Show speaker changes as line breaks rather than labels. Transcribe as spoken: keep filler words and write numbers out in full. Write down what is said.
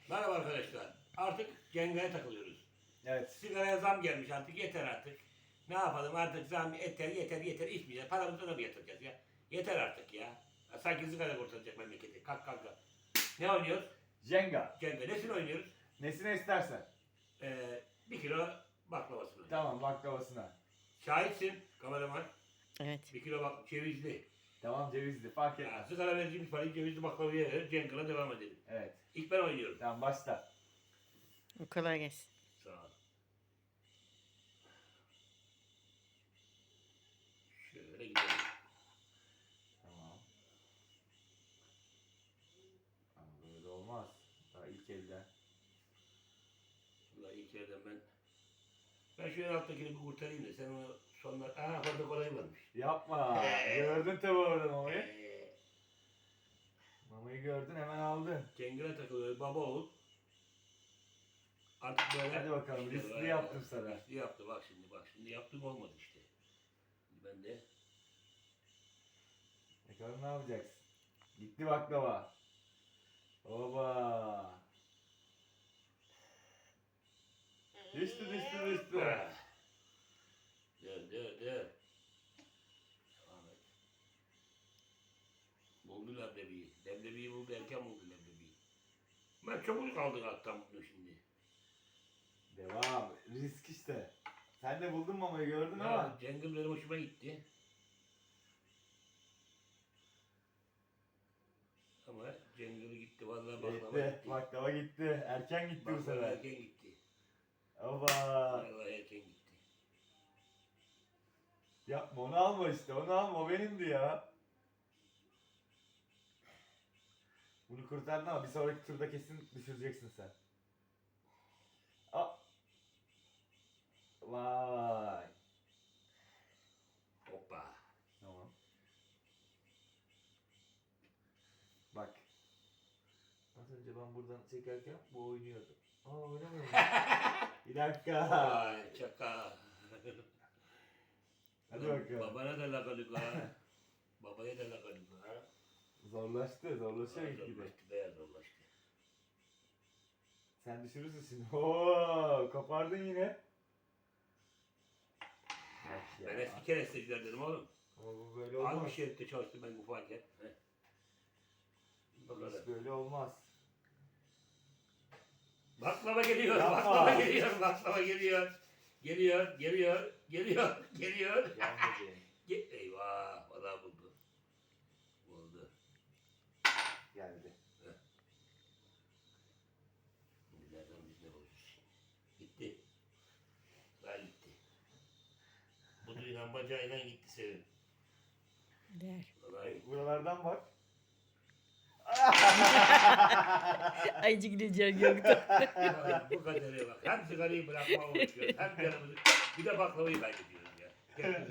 Merhaba arkadaşlar. Artık Cenga'ya takılıyoruz.
Evet.
Sigaraya zam gelmiş artık. Yeter artık. Ne yapalım artık zam yeter yeter yeter içmeyeceğiz. Paramızı da mı yatıracağız ya? Yeter artık ya. Sanki sigara kurtaracak memleketi. Kalk kalk kalk. Ne oynuyoruz?
Jenga.
Cenga. Nesini oynuyoruz?
Nesine istersen.
Ee, bir kilo baklavasını.
Tamam baklavasına.
Şahitsin kameraman.
Evet.
Bir kilo bak cevizli.
Tamam cevizli fark
Ya,
etmez.
sigara vereceğimiz parayı cevizli baklavaya verir. Cenga'la devam edelim.
Evet.
İlk ben oynuyorum.
Tamam başla.
Kolay gelsin.
Sağ ol. Şöyle gidelim.
Tamam. Ama böyle olmaz. Daha ilk elden.
Vallahi ilk yerden ben ben şu en alttakini bir kurtarayım da sen onu sonlar... Aha orada kolay varmış.
Yapma.
Ee.
Gördün tabi orada mamayı.
Ee,
Mamayı gördün hemen aldın.
Cengile takılıyor baba oğul. Artık böyle...
Hadi bakalım, riskli
var.
yaptım sana.
Riskli yaptı bak şimdi bak şimdi yaptım olmadı işte. Şimdi ben de...
Bakalım ne yapacaksın? Gitti baklava. Oba. Düştü düştü düştü.
Ah. Dur dur dur. Devam et. Buldu leblebiyi. Leblebiyi buldu erken buldu leblebiyi. Ben çabuk kaldık alttan bunu şimdi.
Devam. Risk işte. Sen de buldun mamayı gördün ama.
Ya, Cengiz benim hoşuma gitti. Ama Cengiz gitti vallahi baklava
Gitti.
gitti.
Baklava gitti. Erken gitti bu
Baklava
sefer.
erken gitti.
Oba.
Vallahi erken gitti.
Yapma onu alma işte. Onu alma. O benimdi ya. Bunu kurtardın ama bir sonraki turda kesin düşüreceksin sen. Aa. Vay.
Hoppa.
Tamam. Bak. Az önce ben buradan çekerken bu oynuyordu. Aa oynamıyor mu? Bir dakika.
Vay çaka.
Hadi
Lan,
bakalım.
Babana da lakalık ha. Babaya da lakalık ha.
Zorlaştı. Zorlaşıyor gitgide.
Zorlaştı beyaz zorlaştı.
Sen düşürürsün şimdi. Oo, kopardın yine. Bak ya.
Ben eski keresteciler dedim oğlum.
Ama bu böyle
Az
olmaz.
bir şeritte çalıştım ben ufakken. Heh.
Bu
Bakalım.
iş böyle olmaz.
Baklava geliyor,
Yapma.
baklava geliyor, baklava geliyor. Geliyor, geliyor, geliyor, geliyor.
Gelmedi.
Ge- Eyvah, valla buldu. Buldu.
Geldi.
Şimdi nereden biz ne bulacağız? Gitti. Daha gitti. Buduyla bacağıyla gitti Sevim.
Der.
Vallahi
Buralardan bak.
Ayıcık gideceğim yoktu.
vallahi bu kadere bak. Hem sigarayı bırakma uğraşıyoruz, hem canımızı, bir de baklavayı kaybediyoruz ya. Gel-